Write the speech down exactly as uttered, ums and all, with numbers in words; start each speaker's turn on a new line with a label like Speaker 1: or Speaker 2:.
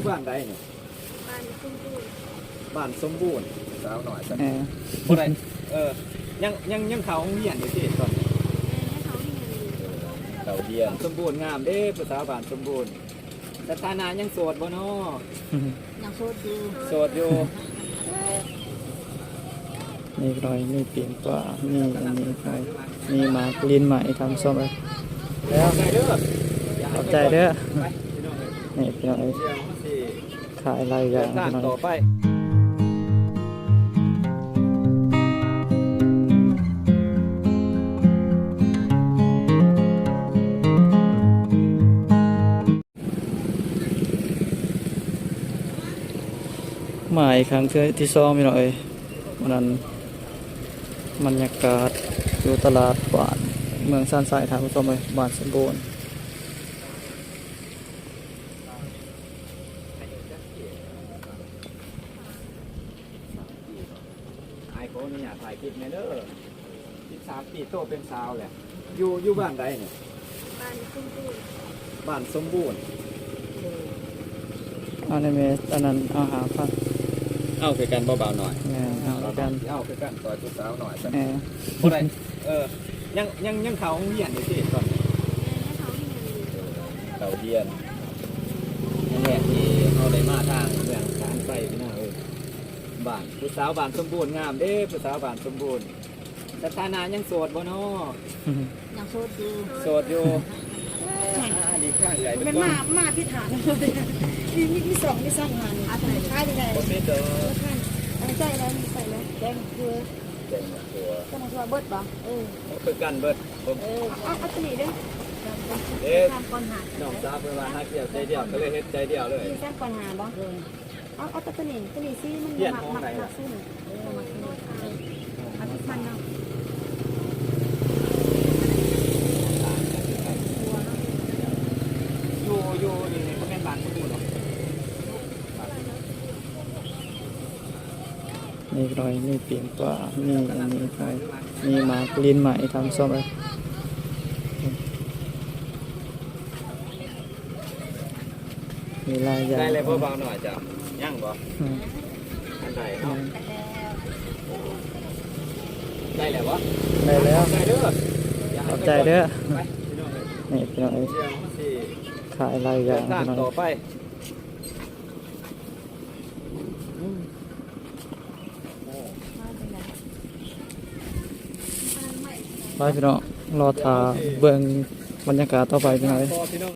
Speaker 1: บ้านใดเนี่ย
Speaker 2: บ้านสมบูรณ์
Speaker 1: บ้านสมบูรณ์สาวหน่อยสัก
Speaker 3: เออ
Speaker 1: บ่ได้เออยังยังยังเขาโรงเรียนอยู่ที่ตอน
Speaker 2: แม่ให้เขาที่เงินอยู่
Speaker 1: เขาเรียนสมบูรณ์งามเด้ภาษาบ้านสมบูรณ์สถานะยังโสดบ่เนาะ
Speaker 2: ยังโสดอยู่
Speaker 1: โสดอยู่
Speaker 3: มีรอยมีเปลี่ยนกว่ามีอันนี้ใครมีหมากลิ้นใหม่ทำส้มเลยแล้ว
Speaker 1: ใจเด้อ
Speaker 3: ขอบใจเด้อ
Speaker 1: ไปพี่น้องเอ้ย
Speaker 3: นี่พี่น้องเอ้ย
Speaker 1: เดี๋ยวสิ
Speaker 3: ขายอะไรอ
Speaker 1: เดิ
Speaker 3: ย่าง
Speaker 1: นทาง
Speaker 3: พี่น้อง
Speaker 1: ต่อ
Speaker 3: เอ้ย
Speaker 1: ไป
Speaker 3: หมายครั้งที่สองพี่น้องเอ้ยวันนั้นบรรยากาศอยู่ตลาดบ้านเมืองสันทรายทางผู้ชมเลยบ้านสมบูรณ์
Speaker 1: ไอ้คนนี่อยากถ่ายคลิปในเด้อสิบสามปีโตเป็นสาวแหละอยู่อยู่บ้านใดเนี่ย
Speaker 2: บ้านสมบูรณ์
Speaker 1: บ้านสมบูรณ์
Speaker 3: อันนี้เมสอันนั้นเอาหาพัน
Speaker 1: เอาคือกันเบาๆหน่อย
Speaker 3: แม่เอาแล้วกัน
Speaker 1: เอาคือกันต่อยผู้สาวหน่อยสัก
Speaker 3: เออ
Speaker 1: บ่ได้เออยังยังยังเขาโรงเรียนอยู่ที่ตอน
Speaker 2: แม่ให้เขาที่เงินอยู่
Speaker 1: เขาเรียนนั่นแหละที่เขาได้มาทางเมืองการไปพี่น้าเอ้ยบ้านผู้สาวบ้านสมบูรณ์งามเด้ผู้สาวบ้านสมบูรณ์สถานะยังโสดบ่เนาะ
Speaker 2: ยังโสดอยู่
Speaker 1: โสดอยู่อ่าดีข้างใหญ่
Speaker 4: มันมา มาพิถานเลยมีมีมีสองมีสามงานอาศัยค่ายที่ไหน
Speaker 1: บ่มีเด้อ
Speaker 4: ค่ายอันนี้ใส่แล้วใส่แล้วแดงเกลือ
Speaker 1: เจ๋งตัว
Speaker 4: ก็มาชัวเบิดบ่เออ
Speaker 1: คือกันเบิดผม
Speaker 4: เออเอาเอาตัวนี้เด้อ
Speaker 1: เอ๊ะ
Speaker 4: แซมก่อนหา
Speaker 1: น้องสาวเพิ่นว่าหาเกี่ยวใจเดียวก็เลยเฮ็ดใจเดียวเลย
Speaker 4: มีแซมก่อนหาบ่เอาเอาตัวนี้ตัวนี้ซิมัน
Speaker 1: เปลี่ยน
Speaker 4: มัก
Speaker 1: ของ
Speaker 4: มัก
Speaker 1: ไหน
Speaker 4: มั
Speaker 1: ล่ะ
Speaker 4: กซื้อเออมักซื้อเอาที่มันเนาะ
Speaker 1: อยู่อยู่นี่บ่แม่นบ้านสมบูรณ์หรอก
Speaker 3: มีรอยมีเปลี่ยนกว่ามีอันนี้ใครมีหมากลิ้นใหม่ทำส้มเลยมีลายอย่าง
Speaker 1: ได้เลยเบาๆหน่อยจ้ะยังบ่
Speaker 3: อืม
Speaker 1: อันใดเนาะได้แล้วบ่
Speaker 3: ได้แล้ว
Speaker 1: ใจเด้อ
Speaker 3: ขอบใจเด้อ
Speaker 1: ไปพี่น้องเอ้ย
Speaker 3: นี่พี่น้องเอ้ย
Speaker 1: เดี๋ยวสิ
Speaker 3: ขายอะไรอ
Speaker 1: เดิ
Speaker 3: ย่าง
Speaker 1: นทาง
Speaker 3: พี่น้อง
Speaker 1: ต่อ
Speaker 3: เอ้ย
Speaker 1: ไป
Speaker 3: ไปพี่น้องรอทาเบิ่งบรรยากาศต่อไปพี่น้องเอ้ย
Speaker 1: พอพี่น้อง